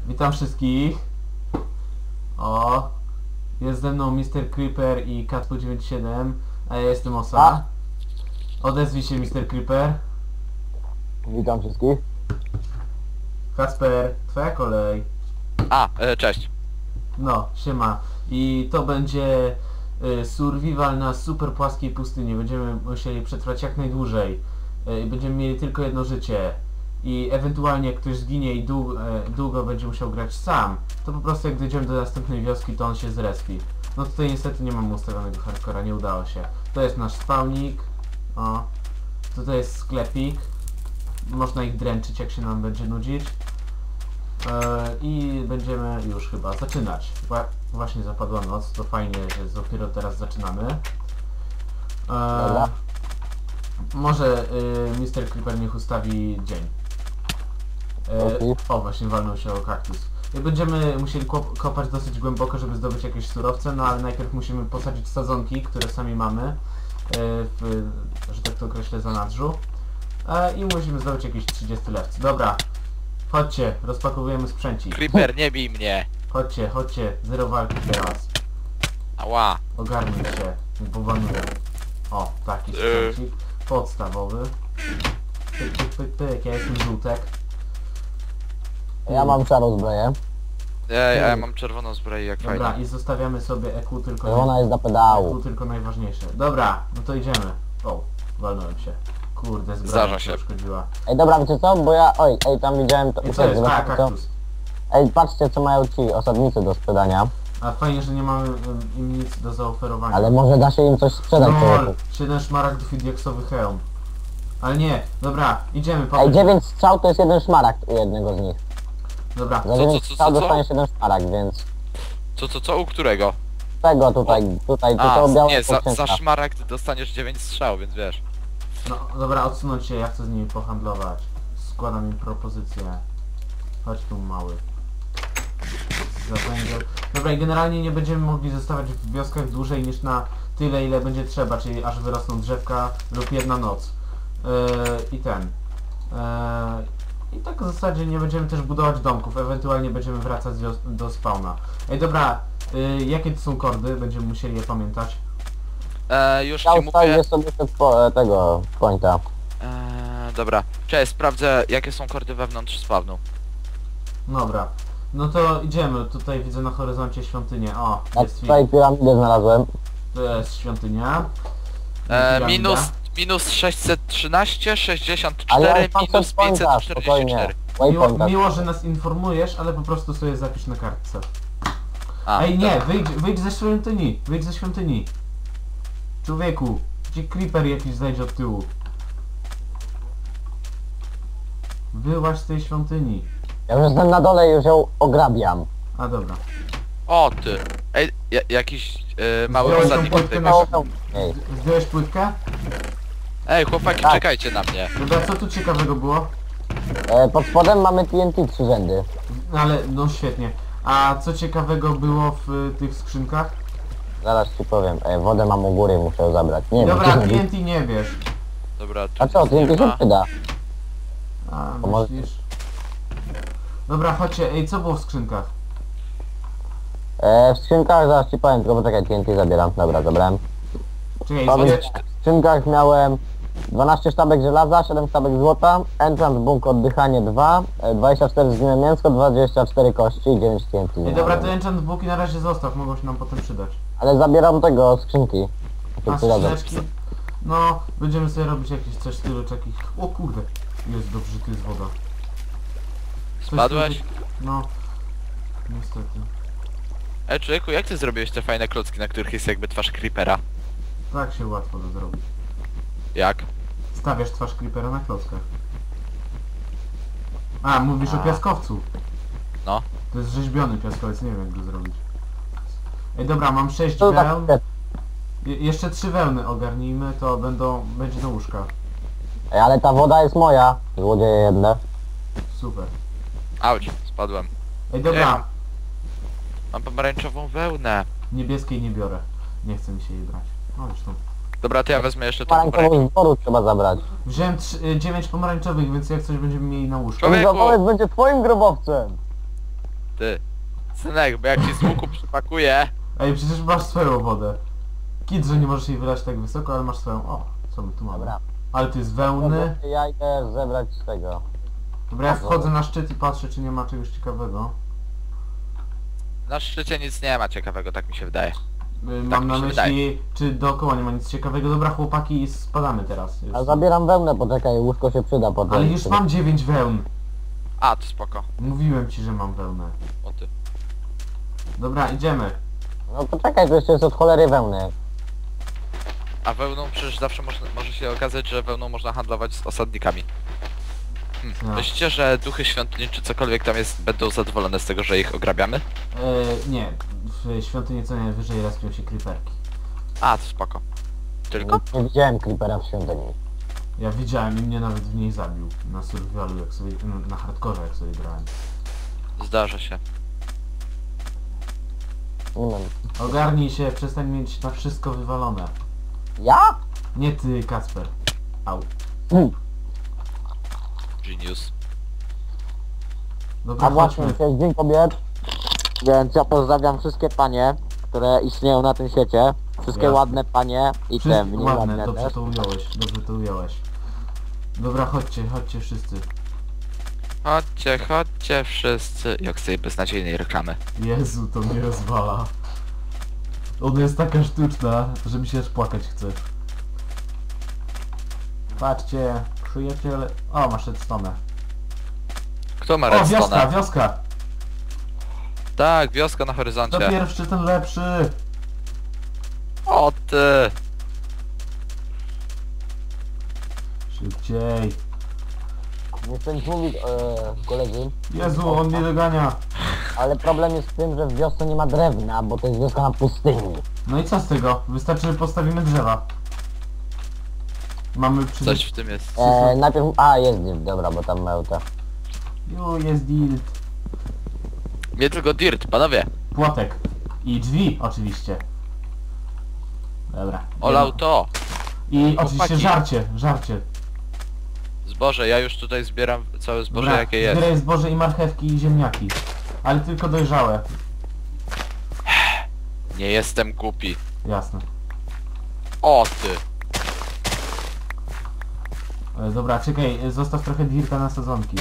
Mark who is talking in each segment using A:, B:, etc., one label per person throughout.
A: Witam wszystkich. O, jest ze mną Mr. Creeper i Katpu97, a ja jestem Osa. Odezwij się, Mr. Creeper.
B: Witam wszystkich.
A: Kacper, twoja kolej.
C: Cześć.
A: No, siema. I to będzie survival na super płaskiej pustyni. Będziemy musieli przetrwać jak najdłużej. I będziemy mieli tylko jedno życie. I ewentualnie jak ktoś zginie i długo będzie musiał grać sam, to po prostu jak dojdziemy do następnej wioski, to on się zrespi. No tutaj niestety nie mam ustawionego hardcora, nie udało się. To jest nasz spawnik. O. Tutaj jest sklepik. Można ich dręczyć, jak się nam będzie nudzić. I będziemy już chyba zaczynać. Właśnie zapadła noc, to fajnie, że dopiero teraz zaczynamy. Może Mr. Creeper niech ustawi dzień. O, właśnie walnął się o kaktus. I będziemy musieli kopać dosyć głęboko, żeby zdobyć jakieś surowce, no ale najpierw musimy posadzić sadzonki, które sami mamy, że tak to określę, zanadrzu. I musimy zdobyć jakieś 30 lewcy. Dobra, chodźcie, rozpakowujemy sprzęcik.
C: Creeper, nie bij mnie.
A: Chodźcie, zero walki teraz.
C: Ała.
A: Ogarnij się, nie powanuję. O, taki sprzęcik podstawowy. Pyk, ja jestem żółtek.
B: Ja mam szarą zbroję.
C: Ja mam czerwoną zbroję, jak
A: Dobra,
C: fajnie.
A: i zostawiamy sobie EQ tylko,
B: Ona jest do pedału.
A: EQ tylko najważniejsze. Dobra, no to idziemy. O, walnąłem się. Kurde, zbroja
C: Zdarza
A: mi
C: się.
A: uszkodziła.
B: Ej, dobra, wiecie co? Bo ja... Oj, tam widziałem...
A: I co jest? A,
B: co?
A: kaktus.
B: Ej, patrzcie co mają ci osadnicy do sprzedania.
A: A fajnie, że nie mamy im nic do zaoferowania.
B: Ale może da się im coś sprzedać.
A: No, 7 szmaragdów i diaksowy hełm. Ale nie, dobra, idziemy,
B: Ej,
A: powiedz.
B: 9 strzał to jest 1 szmaragd u jednego z nich.
A: Dobra,
B: Za 9
C: co?
B: strzał dostaniesz 1 szmaragd, więc...
C: Co? U którego?
B: Tego tutaj, to białe
C: nie, za
B: powcięcia.
C: szmaragd dostaniesz 9 strzał, więc wiesz.
A: no dobra, odsunąć się, ja chcę z nimi pohandlować. Składam im propozycję. Chodź tu, mały. Za węgiel. Dobra, i generalnie nie będziemy mogli zostawać w wioskach dłużej niż na tyle, ile będzie trzeba, czyli aż wyrosną drzewka lub jedna noc. I tak w zasadzie nie będziemy też budować domków, ewentualnie będziemy wracać do spawna. Ej, dobra, jakie to są kordy? Będziemy musieli je pamiętać.
C: Już
B: Ja
C: ci
B: ustawię
C: mówię.
B: sobie tego pointa.
C: Dobra. Cześć, sprawdzę jakie są kordy wewnątrz spawnu.
A: Dobra, no to idziemy. Tutaj widzę na horyzoncie świątynię. O,
B: Ja
A: jest
B: tutaj piramidę znalazłem.
A: to jest świątynia.
C: Minus 613,
B: Ale
C: 64,
B: ja mam
C: minus
B: pointa, spokojnie.
C: 544.
B: Waypointa.
A: Miło, że nas informujesz, ale po prostu sobie zapisz na kartce.
C: A,
A: Ej, nie,
C: dobra.
A: wyjdź ze świątyni, wyjdź ze świątyni. Człowieku, gdzie creeper jakiś zajdzie od tyłu. Wyłaź z tej świątyni.
B: Ja już jestem na dole i już ją ograbiam.
A: A dobra.
C: O ty. Ej, jakiś mały
A: Zdjąłeś tą
C: osadnik
A: płytkę
C: tutaj.
A: na...
B: Ej,
A: Zdjąłeś płytkę?
C: Ej, chłopaki,
B: Tak.
C: czekajcie na mnie.
A: Dobra, co tu ciekawego było?
B: pod spodem mamy TNT 3 rzędy.
A: Ale, no świetnie. A co ciekawego było w tych skrzynkach?
B: Zaraz ci powiem. Wodę mam u góry, muszę ją zabrać. Nie
A: Dobra,
B: wiem.
A: TNT nie wiesz.
C: Dobra, tu
B: A co,
C: nic nie
B: TNT się
C: ma.
B: przyda.
A: A,
B: To może-
A: myślisz? Dobra, chodźcie. Ej, co było w skrzynkach?
B: W skrzynkach zaraz ci powiem, tylko poczekaj, TNT zabieram. Dobra, zabrałem.
A: Czekaj,
B: W skrzynkach miałem 12 sztabek żelaza, 7 sztabek złota, enchant bunk oddychanie 2, 24 zgniłe mięsko, 24 kości i 9 TNT.
A: Ej, dobra, te enchant booki na razie zostaw, mogą się nam potem przydać.
B: Ale zabieram tego, skrzynki.
A: A skrzyneczki? No, będziemy sobie robić jakieś coś w stylu takich... O kurde! Jest dobrze, tu jest woda. Coś
C: Spadłeś?
A: tu- No. Niestety.
C: Ej, człowieku, jak ty zrobiłeś te fajne klocki, na których jest jakby twarz creepera?
A: Tak się łatwo to zrobić.
C: Jak?
A: Stawiasz twarz creepera na klockach. A, mówisz o
C: A.
A: piaskowcu.
C: No.
A: To jest rzeźbiony piaskowiec, nie wiem jak go zrobić. Ej, dobra, mam 6
B: To tak,
A: wełn. Jeszcze 3 wełny ogarnijmy, to będzie do łóżka.
B: Ej, ale ta woda jest moja, złodzieje jedne.
A: Super.
C: Auć, spadłem.
A: Ej, dobra,
C: Mam pomarańczową wełnę.
A: niebieskiej nie biorę. Nie chce mi się jej brać. No zresztą.
C: Dobra, to ja wezmę jeszcze tą pomarańczową.
B: Pomarańczową z dworu trzeba zabrać.
A: Wziąłem 9 pomarańczowych, więc jak coś będziemy mieli na łóżku.
C: Człowiek-
B: Ten grobowiec będzie twoim grobowcem.
C: Ty. Synek, bo jak ci z łuku przypakuję...
A: Ej, przecież masz swoją wodę. Kit, że nie możesz jej wylać tak wysoko, ale masz swoją. O, co my tu mamy?
B: Dobra.
A: Ale tu jest wełny.
B: Ja idę zebrać z tego.
A: Dobra, ja wchodzę na szczyt i patrzę, czy nie ma czegoś ciekawego.
C: Na szczycie nic nie ma ciekawego, tak mi się wydaje.
A: Mam
C: mi
A: na
C: się
A: myśli, czy dookoła nie ma nic ciekawego. Dobra, chłopaki, spadamy teraz. Już.
B: A zabieram wełnę, poczekaj, łóżko się przyda potem.
A: Ale już mam 9 wełn.
C: A, to spoko.
A: Mówiłem ci, że mam wełnę.
C: O ty.
A: Dobra, idziemy.
B: No poczekaj, to jeszcze jest od cholery wełny.
C: A wełną przecież zawsze może się okazać, że wełną można handlować z osadnikami.
A: No.
C: Myślicie, że duchy świątyni czy cokolwiek tam jest będą zadowolone z tego, że ich ograbiamy?
A: Nie, w świątyni co najwyżej respią się creeperki.
C: A, to spoko. Tylko?
B: Nie widziałem creepera w świątyni.
A: Ja widziałem i mnie nawet w niej zabił. Na survivalu, jak sobie, na hardkorze jak sobie grałem.
C: Zdarza się.
B: Nie wiem.
A: Ogarnij się, przestań mieć na wszystko wywalone.
B: Ja?
A: Nie ty, Kacper. Au.
C: Genius.
A: Dobra,
B: A właśnie,
A: chodźmy.
B: dzisiaj jest Dzień Kobiet, więc ja pozdrawiam wszystkie panie, które istnieją na tym świecie. Wszystkie
A: Jasne.
B: ładne panie i te mniej
A: ładne,
B: ładne
A: dobrze
B: też.
A: to ująłeś, dobrze to ująłeś. Dobra, chodźcie wszyscy.
C: Chodźcie, chodźcie wszyscy. Jak z tej beznadziejnej reklamy.
A: Jezu, to mnie rozwala. Ona jest taka sztuczna, że mi się aż płakać chce. Patrzcie, przyjaciele... O, masz redstone.
C: Kto ma
A: O, wioska,
C: redstone'a?
A: wioska!
C: Tak, wioska na
A: To
C: horyzoncie.
A: pierwszy, ten lepszy!
C: O ty!
A: Szybciej.
B: Nie chcę nic mówić, koledzy,
A: Jezu, on mnie dogania.
B: ale problem jest w tym, że w wiosce nie ma drewna, bo to jest wioska na pustyni.
A: No i co z tego? Wystarczy, że postawimy drzewa. Mamy przy...
C: Coś w tym jest.
B: Najpierw... A, jest dzień, dobra, bo tam mełta.
A: Jo, jest dirt.
C: Nie tylko dirt, panowie.
A: Płotek. I drzwi, oczywiście. Dobra.
C: Olał to.
A: I oczywiście
C: Chłopaki.
A: żarcie.
C: Zboże, ja już tutaj zbieram całe zboże
A: Dobra,
C: jakie jest.
A: zbieraj zboże i marchewki i ziemniaki. Ale tylko dojrzałe.
C: Nie jestem głupi.
A: Jasne.
C: O ty!
A: Dobra, czekaj, zostaw trochę dirta na sadzonki.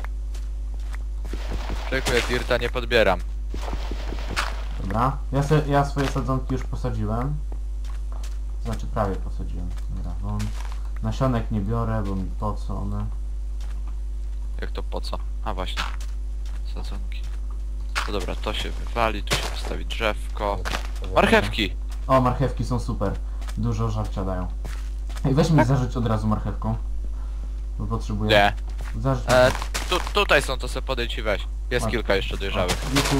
C: Czekuję, dirta nie podbieram.
A: Dobra. Ja swoje sadzonki już posadziłem. Znaczy prawie posadziłem. Dobra, won. Nasionek nie biorę, bo mi po co one.
C: Jak to po co? A właśnie. Sadzonki. No dobra, to się wywali, tu się postawi drzewko. Marchewki!
A: O, marchewki są super. Dużo żarcia dają. Ej, weź mi zarzuć od razu marchewką. Bo potrzebuję.
C: Nie.
A: Zarzuć.
C: Tutaj są, to sobie podejdź i weź. Jest
A: Masz.
C: kilka jeszcze dojrzałych.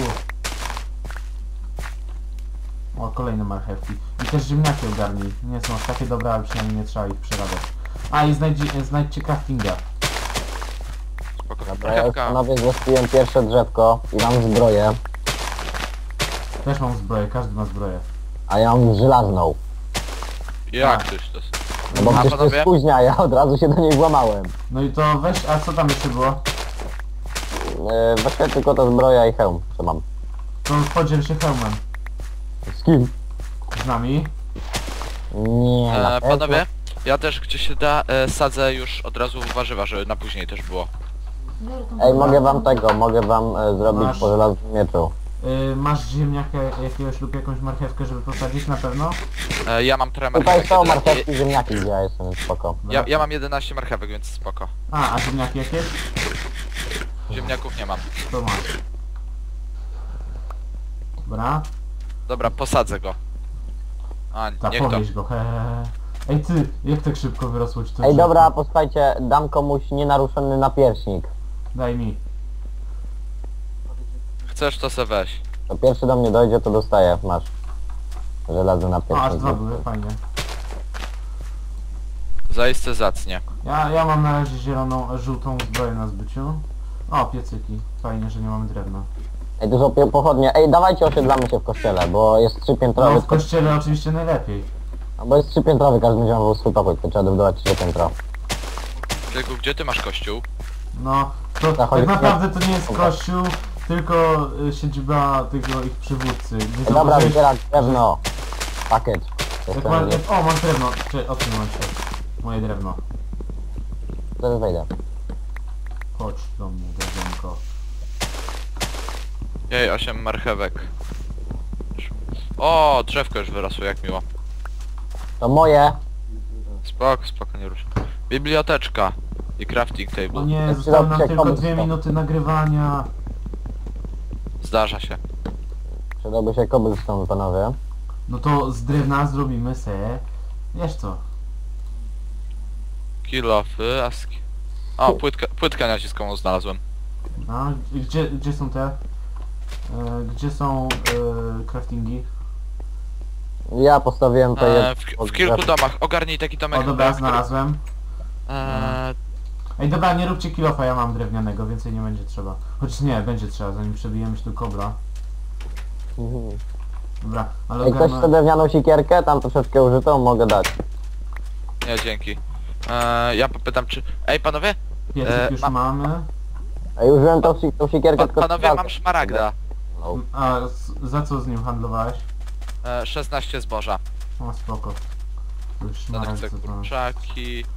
A: O, kolejne marchewki. I też ziemniaki ogarnij. Nie są aż takie dobre, ale przynajmniej nie trzeba ich przerabiać. A, i znajdźcie craftinga.
C: Spoko.
B: Dobra, ja już
C: Marchewka.
B: panowie zrespiłem pierwsze drzewko i mam zbroję,
A: Też mam zbroję, każdy ma zbroję.
B: a ja mam żelazną.
C: Jak tyś to?
B: No bo
C: A
B: przecież to
C: panowie?
B: jest późnia, ja od razu się do niej włamałem.
A: No i to weź, a co tam jeszcze było?
B: Właściwie tylko ta zbroja i hełm, co mam.
A: To podziel się hełmem.
B: Z kim?
A: Z nami.
B: Nie, na pewno.
C: Panowie, ja też gdzie się da sadzę już od razu warzywa, żeby na później też było.
B: Ej, mogę wam zrobić
A: Masz.
B: po żelaznym mieczu.
A: Masz ziemniaka jakiegoś lub jakąś marchewkę, żeby posadzić na pewno?
C: Ja mam trochę
B: Tutaj
C: marchewek.
B: są
C: 11
B: marchewki i ziemniaki, gdzie ja jestem, więc spoko.
C: ja mam 11 marchewek, więc spoko.
A: A ziemniaki jakieś?
C: Ziemniaków nie mam.
A: To masz. Dobra.
C: Dobra, posadzę go. A, niech to.
A: Zapowieź go, hehehe. Ej ty, jak tak szybko wyrosło ci to
B: Ej,
A: drzewko?
B: dobra, posłuchajcie, dam komuś nienaruszony napierśnik.
A: Daj mi.
C: Chcesz to se weź.
B: To pierwszy do mnie dojdzie, to dostaję, masz. Żelazny
A: O, aż
B: napierśnik.
A: dwa były, fajnie.
C: Zaiste zacnie.
A: Ja mam na razie zieloną, żółtą zbroję na zbyciu. O, piecyki. Fajnie, że nie mamy drewna.
B: Ej, dużo pochodnie. Ej, dawajcie osiedlamy się w kościele, bo jest
A: No
B: trzypiętrowy.
A: w kościele oczywiście najlepiej.
B: No, bo jest trzypiętrowy, każdy będzie miał swój pokój, to trzeba dobudować 3 piętro.
C: Tylko gdzie ty masz kościół?
A: No, to
B: Zachodzi-
A: tak naprawdę to nie jest kościół, tylko siedziba tego ich przywódcy. Gdzie
B: Dobra,
A: zauważyłeś-
B: zbierać drewno. Pakiet.
A: O, mam drewno. Odsunąłem się. Moje drewno.
B: Zaraz wejdę.
A: Chodź do mnie, drewnko.
C: Jej, 8 marchewek. O, drzewko już wyrosło, jak miło.
B: To moje.
C: Spoko, nie ruszam. Biblioteczka i crafting
A: O
C: table.
A: nie, zostały nam tylko 2
B: cobblestone.
A: minuty nagrywania.
C: Zdarza się.
B: Przydałby się cobblestone, panowie.
A: No to z drewna zrobimy se... Wiesz co?
C: Kill offy, aski. O, płytkę naciskową znalazłem.
A: A, gdzie są te? Gdzie są craftingi?
B: Ja postawiłem to
C: W kilku domach. Ogarnij taki domek.
A: O dobra,
C: który-
A: znalazłem.
C: Eee,
A: Ej dobra, nie róbcie kilofa, ja mam drewnianego, więcej nie będzie trzeba. Choć nie, będzie trzeba, zanim przebijemy się do kobra. Dobra, ale
B: Jak ktoś chce drewnianą sikierkę, tam troszeczkę użytą, mogę dać.
C: nie, dzięki. Ja popytam czy... Ej, panowie?
A: piecyk już
C: mam-
A: mamy.
B: Ej, użyłem tą sikierkę, tylko...
C: Panowie, mam szmaragda.
B: No.
A: A za co z nim handlowałeś?
C: 16 zboża.
A: O spoko. To już
C: Ten
A: szmaragd
C: chce
A: co to-
C: kurczaki.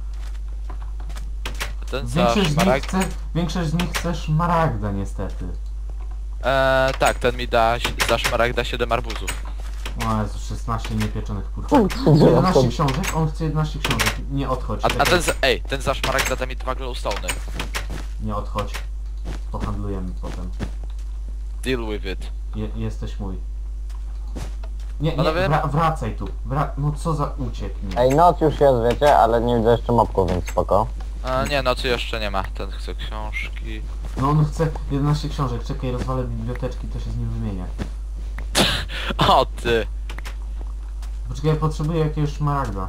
C: Ten za
A: Większość z nich chce szmaragda niestety.
C: tak, ten mi da za szmaragda 7 arbuzów.
A: O Jezu, 16 niepieczonych kurczak. 11 książek? On chce 11 książek. Nie odchodź.
C: A
A: czekaj.
C: ten za szmaragda da mi 2 glowstone'y.
A: Nie odchodź. Pohandlujemy potem.
C: Deal with it.
A: Jesteś mój. Nie,
C: Panowie?
A: wracaj tu. No co za ucieknie.
B: Ej, noc już jest, wiecie, ale nie widzę jeszcze mopków, więc spoko.
C: Nie, nocy jeszcze nie ma. Ten chce książki.
A: No on chce 11 książek. Czekaj, rozwalę biblioteczki, to się z nim wymienię.
C: O ty!
A: Poczekaj, ja potrzebuję jakiegoś szmaragda.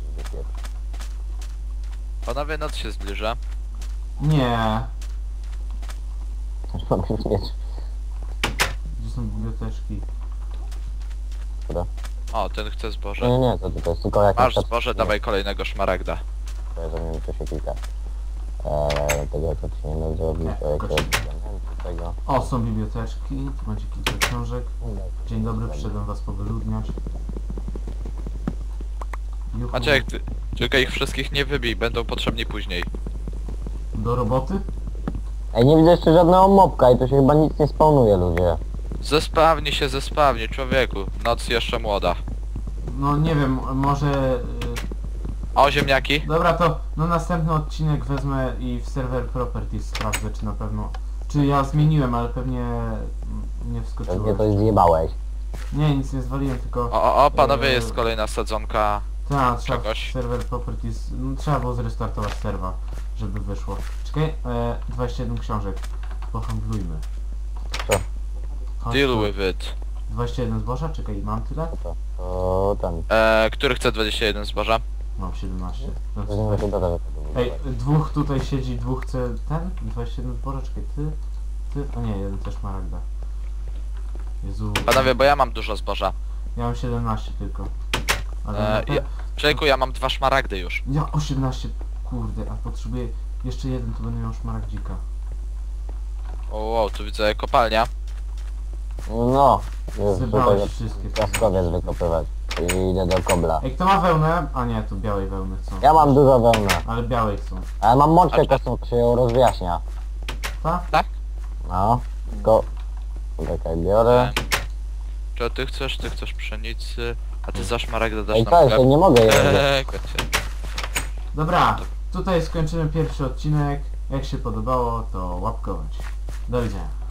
C: Panowie, noc się zbliża.
A: Nie.
B: Też mogę mieć.
A: Gdzie są biblioteczki?
C: O, ten chce
B: Nie,
C: zboże.
B: nie, to jest tylko jakaś...
C: Masz zboże, dawaj kolejnego szmaragda.
B: Zamienię tu się kilka. Tego jak powinienem zrobić, to jak to tego.
A: O, są biblioteczki. Tu będzie kilka książek. Dzień dobry, przyszedłem was powyludniać. Juhu.
C: Maciek, ty, tylko ich wszystkich nie wybij, będą potrzebni później.
A: Do roboty?
B: Ej, nie widzę jeszcze żadnego mopka i tu się chyba nic nie spawnuje, ludzie.
C: Zespawni, człowieku. Noc jeszcze młoda.
A: No nie wiem, może...
C: O, ziemniaki?
A: Dobra, to na następny odcinek wezmę i w server properties sprawdzę, czy na pewno... Czy ja zmieniłem, ale pewnie nie
B: Pewnie
A: wskoczyłem.
B: coś zjebałeś.
A: Nie, nic nie zwaliłem, tylko...
C: O, panowie, jest kolejna sadzonka.
A: Tak, trzeba
C: czegoś.
A: w server properties... No, trzeba było zrestartować serwa, żeby wyszło. Czekaj, 21 książek. Pohandlujmy.
B: Co?
A: Chodź
C: Deal
A: tu.
C: with it.
A: 21 zboża? Czekaj, mam tyle?
B: To ten.
C: Który chce 21 zboża?
A: Mam 17. No,
B: Weźmiemy
A: super.
B: to do
A: Ej, dwóch tutaj siedzi, dwóch chce ten? 21 zboża, czekaj, ty? A nie, jeden też maragda. Jezu.
C: Panowie, bo ja mam dużo zboża.
A: Ja mam 17 tylko. Ale
C: Człowieku, ja mam 2 szmaragdy już.
A: ja 18, kurde, a potrzebuję jeszcze jeden, to będę miał szmaragdzika.
C: O, wow, tu widzę kopalnia.
B: No, już
A: Zebrałeś
B: tutaj
A: wszystkie.
B: piaskowiec wykopywać. I idę do kobla.
A: Ej, kto ma wełnę? A nie, tu białej wełny chcą.
B: Ja mam dużo wełny.
A: Ale białej chcą.
B: Ale mam mączkę
C: A-
B: kosmą, to się ją rozjaśnia.
A: Tak?
C: Tak?
B: No, tylko... Czekaj, biorę.
C: Czy ty chcesz pszenicy, a ty za szmaragdę dasz
B: Ej,
C: nam
B: co, jeszcze
C: chleb.
B: nie mogę jeść.
C: Kocie.
A: Dobra, tutaj skończymy pierwszy odcinek. Jak się podobało, to łapkować. Do widzenia.